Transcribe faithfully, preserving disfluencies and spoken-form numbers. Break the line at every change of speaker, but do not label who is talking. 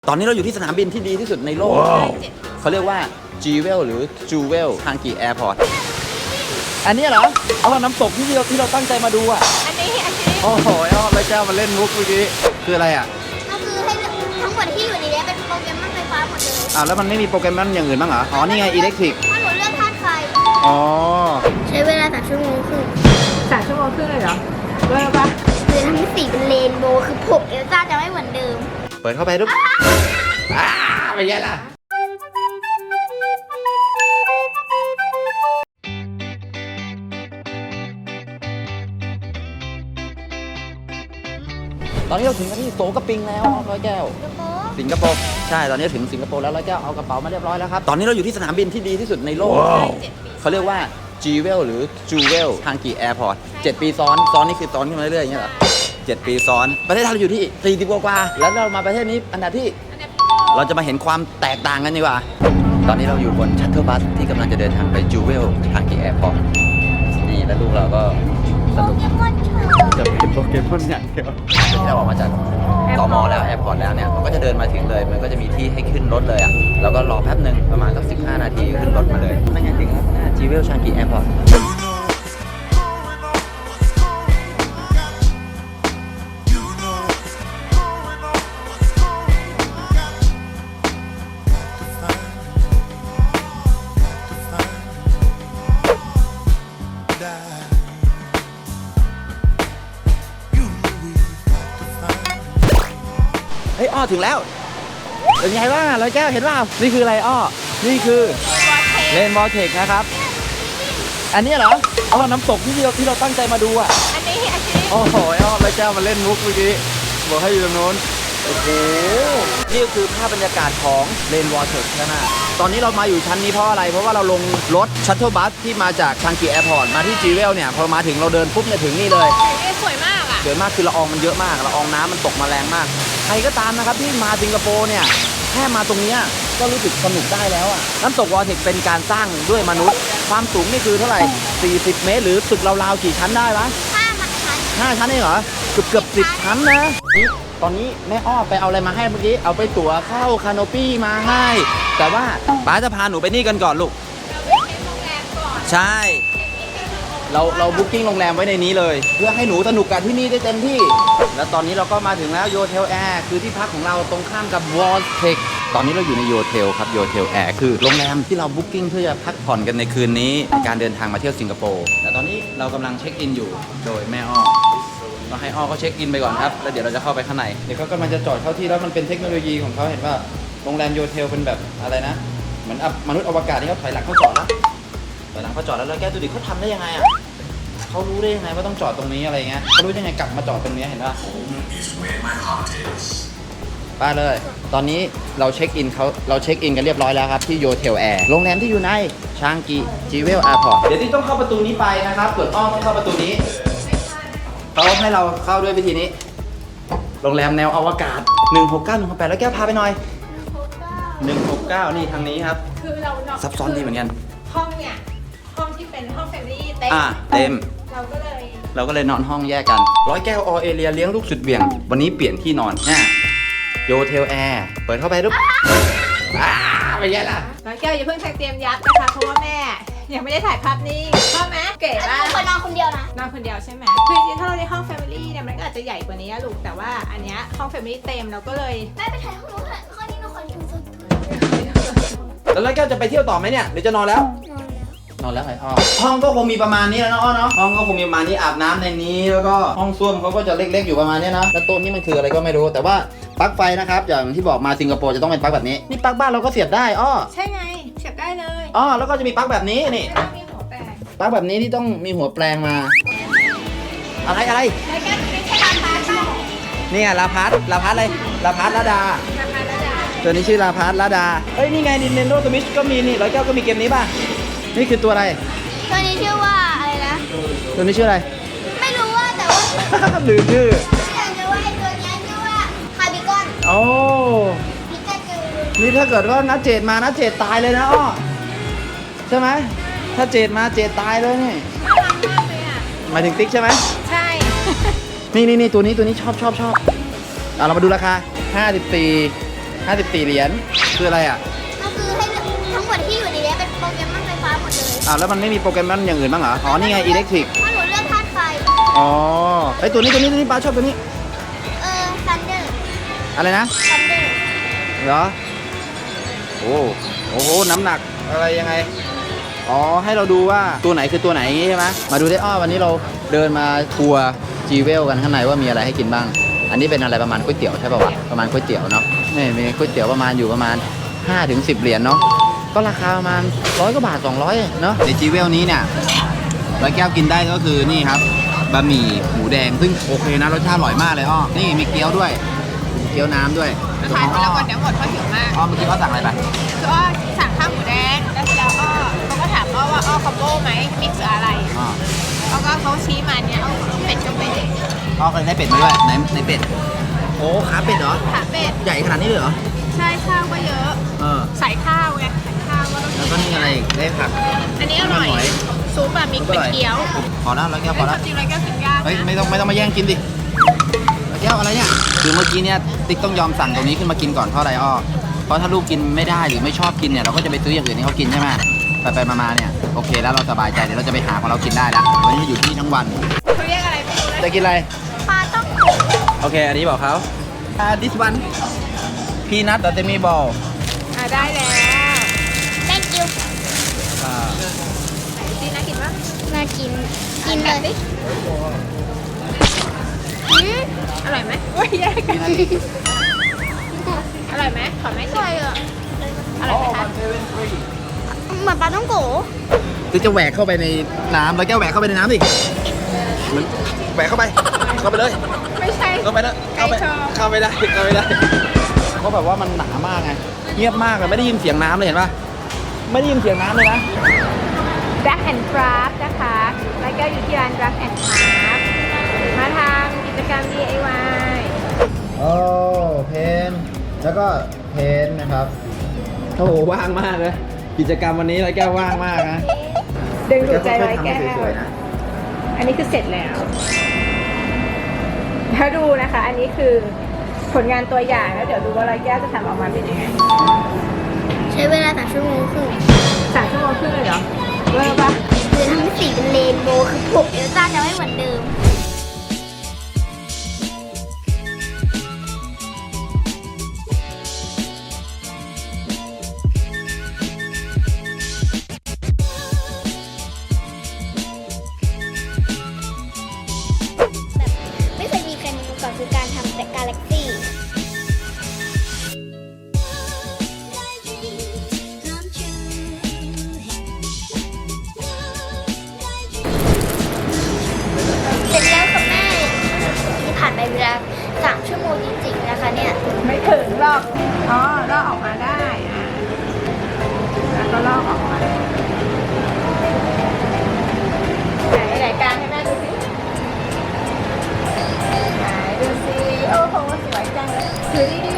ตอนนี้เราอยู่ที่สนามบินที่ดีที่สุดในโลก wow. เขาเรียกว่า Jewel หรือ Jewel Changi Airport อันนี้เหรอเอาน้ำตกที่เราที่เราตั้งใจมาดูอ่ะอันนี้อันนี้โอ้โหเอาไปแก้วมาเล่นมุกเมื่อกี้คืออะไรอ่ะ
ก็คือให้ทั้งหมดที่อยู่ในนี้เป็นโปรแกรมไฟฟ้าหมดเลย
อ้าวแล้วมันไม่มีโปรแกรมอย่างอื่นบ้างเหรออ๋อนี่ไงอิเล็กทริก
ถ้าหนูเลือกธาตุไฟ
อ๋อ
ใช้เวลาสามชั่วโมงครึ่ง
สามชั่วโมงครึ่งเลยเหรอเลิกปะ
คือทั้งสีเป็นเรนโบว์คือผมเอลซ่าจะไม่เหมือนเดิม
เปิดเข้าไปดูอ้าไม่ใช่ล่ะตอนนี้เราถึงที่โสกระปิงแล้วร้อยแก้วสิงคโปร์ใช่ตอนนี้ถึงสิงคโปร์แล้วร้อยแก้วเอากระเป๋ามาเรียบร้อยแล้วครับตอนนี้เราอยู่ที่สนามบินที่ดีที่สุดในโลก wow. เขาเรียกว่า Jewel หรือ Jewel Changi Airport เจ็ดปีซ้อนซ้อนนี่คือซ้อนขึ้นมาเรื่อยๆอย่างเงี้ยเหรอเจ็ดปีซ้อนประเทศไทยเราอยู่ที่สี่สิบกว่าแล้วเรามาประเทศนี้อันดับที่เราจะมาเห็นความแตกต่างกันดีกว่าตอนนี้เราอยู่บนชัตเทิลบัสที่กำลังจะเดินทางไป Jewel Changi Airport นี่แล้วลูกเราก็สนุกจะเป็นโปเกมอนอย่างเดียวที่เราออกมาจากตมแล้วแอร์พอร์ตแล้วเนี่ยมันก็จะเดินมาถึงเลยมันก็จะมีที่ให้ขึ้นรถเลยอ่ะแล้วก็รอแป๊บหนึ่งประมาณสักสิบห้านาทีขึ้นรถมาเลยนั่นไงถึงแล้วหน้า Jewel Changi Airportเฮ้ยอ้อถึงแล้วเป็นไงบ้างร้อยแก้วเห็นเปล่านี่คืออะไรอ้อนี่คือเลนวอลเทคนะครับอันนี้เหรอเอาน้ำตกที่เราที่เราตั้งใจมาดูอ่ะ
อันนี้อันนี้
โอ้โหอ้อร้อยแก้วมาเล่นมุกเมื่อกี้บอกให้อยู่ตรงโน้นโอ้โหนี่คือภาพบรรยากาศของเลนวอลเทคใช่ไหมตอนนี้เรามาอยู่ชั้นนี้เพราะอะไรเพราะว่าเราลงรถชัตเทิลบัสที่มาจากชังกีแอร์พอร์ตมาที่จีเวลเนี่ยพอมาถึงเราเดินปุ๊บเนี่ยถึงนี่เลย
สวยมากอ่ะ
สวยมากคือละอองมันเยอะมากละอองน้ำมันตกมาแรงมากใครก็ตามนะครับที่มาสิงคโปร์เนี่ยแค่มาตรงนี้ก็รู้สึกสนุกได้แล้วอ่ะน้ำตกวอลเทคเป็นการสร้างด้วยมนุษย์ความสูงนี่คือเท่าไหร่สี่สิบเมตรหรือตึกราวๆกี่ชั้นได้วะ
ห้าชั้น
ห้าชั้นเองเหรอเกือบเกือบสิบชั้นนะนี่ตอนนี้แม่อ้อไปเอาอะไรมาให้เมื่อกี้เอาไปตั๋วเข้าคาโนปี้มาให้แต่ว่าป้าจะพาหนูไปนี่กันก่อนลูกใช่เราเราบุ๊กิ้งโรงแรมไว้ในนี้เลยเพื่อให้หนูสนุกกับที่นี่ได้เต็มที่แล้วตอนนี้เราก็มาถึงแล้วโยเทลแอร์คือที่พักของเราตรงข้ามกับวอลเทคตอนนี้เราอยู่ในโยเทลครับโยเทลแอร์คือโรงแรมที่เราบุ๊กิ้งเพื่อจะพักผ่อนกันในคืนนี้ในการเดินทางมาเที่ยวสิงคโปร์แต่ตอนนี้เรากำลังเช็คอินอยู่โดยแม่อ้อก็ให้อ้อเขาเช็คอินไปก่อนครับแล้วเดี๋ยวเราจะเข้าไปข้างในเดี๋ยวเขากำลังจะจอดเข้าที่แล้วมันเป็นเทคโนโลยีของเขาเห็นว่าโรงแรมโยเทลเป็นแบบอะไรนะเหมือนมนุษย์อวกาศที่เขาถอยหลังเขาจอดแล้วถอยหลังเขาจอดแล้วแล้วแกดูดิเขาทำได้ยังไงอ่ะเขารู้ได้ยังไงว่าต้องจอดตรงนี้อะไรเงี้ยเขารู้ยังไงกลับมาจอดตรงนี้เห็นป่ะไปเลยตอนนี้เราเช็คอินเขาเราเช็คอินกันเรียบร้อยแล้วครับที่โยเทลแอร์โรงแรมที่อยู่ในชางกีจีเวลแอร์พอร์ตเดี๋ยวที่ต้องเข้าประตูนี้ไปนะครับส่วนอ้อมต้องเข้าประตูนี้เขาให้เราเข้าด้วยวิธีนี้โรงแรมแนวอวกาศหนึ่งหกเก้า หนึ่งหกแปดแล้วแก้วพาไปหน่อยหนึ่งหกเก้านี่ทางนี้ครับ
คือเรา
ซับซ้อนดีเหมือนกัน
ห้องเนี่ยห้องที่เป็นห้องแฟมิลี่เต็ม
อ่าเต็ม
เราก็เลย
เราก็เลยนอนห้องแยกกันร้อยแก้วออเอเรียเลี้ยงลูกสุดเบี่ยงวันนี้เปลี่ยนที่นอนเนี่ยโยเทลแอร์เปิดเข้าไปปุ๊บอ้าไปแย่ละ
แล้วแก้วอย่าเพิ่งเตรียมยัดนะคะเพราะว่าแม่ยังไม่ได้ถ่ายภาพนิ่งชอบไหมเก๋มาก
คนนอนคนเดียวนะ
นอนคนเดียวใช่ไหมคือจริงๆถ้าเราได้ห้องแฟมิลี่เนี่ยมันก็อาจจะใหญ่กว่านี้ลูกแต่ว่าอันเนี้ยห้องแฟมิลี่เต็มเราก็เลย
แม่ไปถ่ายห้องนู้นห้องนี้หนูขออยู่ส่วนตัว
แล้วร้อยแก้วจะไปเที่ยวต่อไหมเนี่ยหรือจะนอนแล้วนอนแล้วไงอ้อห้องก็คงมีประมาณนี้แล้วเนาะอ้อเนาะห้องก็คงมีประมาณนี้อาบน้ำในนี้แล้วก็ห้องส้วมเขาก็จะเล็กๆอยู่ประมาณนี้นะแล้วโต๊ะนี้มันคืออะไรก็ไม่รู้แต่ว่าปลั๊กไฟนะครับอย่างที่บอกมาสิงคโปร์จะต้องเป็นปลั๊กแบบนี้นี่ปลั๊กบ้านเราก็เสียบได้อ้อ
ใช่ไงเสียบได้เลย
อ้อแล้วก็จะมีปลั๊กแบบนี้นี่
มีหัวแปลง
ปลั๊กแบบนี้ที่ต้องมีหัวแปลงมาอะไรอะไร
แล้วแก้วไม่ใช่ลาพัส
นี่ไงลาพัสลาพัสอะไรลาพัสลาดา
ลาพัสลาดา
ตัวนี้ชื่อลาพัสลาดาเอ้ยนี่ไง Nintendo Switch ก็มีนี่ร้อยแก้วก็มีเกมนี้ป่ะนี่คือตัวอะไร
ตัวนี้ชื่อว่าอะไรนะ
ตัวนี้ชื่ออะไร
ไม่รู้ว่าแต่ว่า
ลืมชื่อ
แต่รู้ว่าไอ้ตัวนี้ชื่อว่าคาร์บิคอน
โอ้
พิกาจู
นี่ถ้าเกิดว่านัดเจดมานัดเจดตายเลยนะอ้อใช่ไหมถ้าเจดมาเจดตายเลยนี่หมายถึงติ๊กใช่ไหม
ใช่
นี่นี่นี่ตัวนี้ตัวนี้ชอบชอบชอบเอาเรามาดูราคาห้าสิบสี่ห้าสิบสี่เหรียญคืออะไรอ่ะ
ก็คือให้เลือกทั้งหมดที่อยู่ในนี้เป็นโปเกมอนไฟฟ้าหมดเลย
อ้าวแล้วมันไม่มีโปเกมอนอย่างอื่นบ้างเหรอ อ๋อ นี่ไงอิเล็กทริก
ถ้าหนูเลือกธาตุไฟ
อ๋อไอตัวนี้ตัวนี้ตัวนี้ป้าชอบตัวนี้
เออซันเดอร์
อะไรนะ
ซันเดอร์
เหรอ โอ้โอ้โห น้ำหนักอะไรยังไง อ๋อ ให้เราดูว่าตัวไหนคือตัวไหนใช่ไหมมาดูได้อ้อวันนี้เราเดินมาทัวร์จีเวลกันข้างในว่ามีอะไรให้กินบ้าง อันนี้เป็นอะไรประมาณก๋วยเตี๋ยวใช่ป่าวะ ประมาณก๋วยเตี๋ยวเนาะ นี่มีก๋วยเตี๋ยวประมาณอยู่ประมาณห้าถึงสิบเหรียญเนาะ ก็ราคาประมาณร้อยกว่าบาทสองร้อยเนาะ ในจีเวลนี้เนี่ยร้อยแก้วกินได้ก็คือนี่ครับ บะหมี่หมูแดง ซึ่งโอเคนะรสชาติอร่อยมากเลยอ้อ นี่มีเกี๊ยวด้วย เกี๊ยวน้ำด้วย
ทานไปแล้วก่อนเดี๋ยวหมดเพราะหิวมาก
อ้อเมื่อกี้เขาสั่งอะไรไป
คืออ้อสั่งข้าวหมูแดงแล้วเสร็จแล้วก็เขาก็ถามอ้อว่าอ้อคอมโบไหมมิกซ์อะไร
อ๋อ
แล้วก็เขาชี้มาเนี่ยเอาเป็ดก็เป็ด
อ้อเคยได้เป็ดมาด้วยไหนในเป็ด โอ้ขาเป็ดเหรอ
ขาเป็ด
ใหญ่ขนาดนี้เลยเหรอ
ใช่ข้าวก็เยอะ
เออ
ใส่ข้าวไงใส่ข้าวก็ต้อง
แล้วก็นี่อะไรอีกได้ผัก
อันนี้อร่อย
หอย
ซุปแบบมิกซ์เป็นเกี๊ยว
พอแล้วร้อยแก้วพ
เฮ้
อย
ค
แล้ว
วามจริงแล้วแก้วกินยาก
เฮ้ย
นะ
ไม่ต้องไม่ต้องมาแย่งกินดิร้อยแก้วอะไรเนี่ย คือเมื่อกี้เนี่ยติ๊กต้องยอมสั่งตรงนี้ขึ้นมากินก่อนเพราะอะไรอ้อ เพราะถ้าลูกกินไม่ได้หรือไม่ชอบกินเนี่ยเราก็จะไปซื้ออย่างอื่นให้เขากินใช่ไหมไปไปมาๆเนี่ยโอเคแล้วเราสบายใจเดี๋ยวเราจะไปหาของเรากินได้แล้ววันนี้อยู่ที่นี่ทั้งวัน
เขาเรียกอะไรไม่รู้เลย
จะกินอะไร
ปลาต้อง
โอเค อันนี้บอกเขาอ่า this one peanut แต่จะมีบอล
อ่ะได้แล้ว
thank you
อ่า
ดีน่ากินปะ
น่ากิน กินเลย
ดิ
อืม
อร่อยไหมโอ้ยแยกกันอร่อยไหมขอไหม
อ
ชิม
ร่อยอ่ะ
อร่อยไหมคะ
เหมือนปลาต้องโก
คือจะแหวกเข้าไปในน้ำแล้วแก้วแหวกเข้าไปในน้ำดิเหมันแหวกเข้าไป เข้าไปเลย
ไม่ใช่
เข้าไปแล้วเข้าไป
ไก่ชอบ
เข้าไม่ได้ เข้าไม่ได้เพราะแบบว่ามันหนามากไง เงียบมากเลยไม่ได้ยินเสียงน้ำเลยเห็นปะไม่ได้ยินเสียงน้ำเลยนะ
Drag and Craft นะคะ แล้วก็อยู่ที่ร้าน Drag and Craft มาทำกิจกรรม ดี ไอ วาย
โอ้เพนแล้วก็เพนนะครับโอ้โหว่างมากเลยกิจกรรมวันนี้ไรแก้วว่างมากนะ
ดึงดูดใจไว้แก้
ทำให้ส
ว
วยๆนะ
อันนี้คือเสร็จแล้วถ้าดูนะคะ อันนี้คือผลงานตัวอย่างแล้วเดี๋ยวดูว่าร้อยแก้วจะทำออกมาเป็นยังไง
ใช้เวลาสามชั่วโมงครึ่ง
สามชั่วโมงครึ่งเลยเหรอเวอร์ปะ
คือทำให้สีเป็นเรนโบว์คือผมเอลซ่าจะไม่เหมือนเดิม แบบไม่เคยมีใครมาก่อนคือการทำแต่กาแล็กซี่ เสร็จแล้วค่ะแม่นี่ผ่านไปเวลาสามชั่วโมงจริงๆนะคะเนี่ย
ไม่ถึงหรอก อ๋อลอกออกมาได้อ่ะแล้วก็ลอกออกมาไหนไหนกลางให้แม่ดูสิไหนดูสิโอ้โหสวยจังเลยคือนี่